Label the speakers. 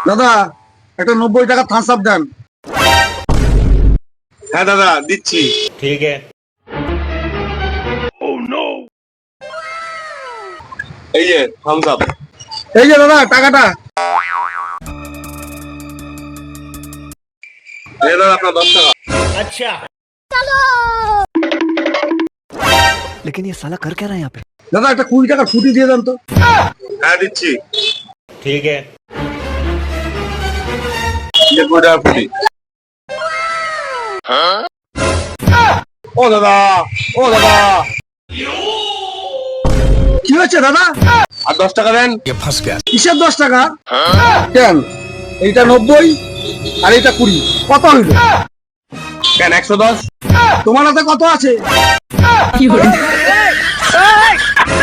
Speaker 1: দাদা একটা 90 টাকা থামস আপ দেন।
Speaker 2: হ্যাঁ দাদা দিচ্ছি।
Speaker 3: ठीक है।
Speaker 2: এই যে থামস আপ।
Speaker 1: এই যে দাদা টাকাটা।
Speaker 2: এই দাদা আপনার 10 টাকা।
Speaker 3: अच्छा।
Speaker 4: लेकिन ये साला कर क्या रहा है यहाँ पे?
Speaker 1: দাদা একটা 20 টাকা ফুটি দিয়ে দেন তো।
Speaker 2: হ্যাঁ দিচ্ছি।
Speaker 3: ठीक है।
Speaker 2: যে 20 টাকা ফুটি। ও দাদা, ও দাদা,
Speaker 1: কি হচ্ছে দাদা?
Speaker 2: আর 10 টাকা দেন।
Speaker 1: কিসের 10 টাকা? কেন এইটা 90 আর এইটা 20, কত হইল?
Speaker 2: কেন 110?
Speaker 1: তোমার হাতে কত আছে?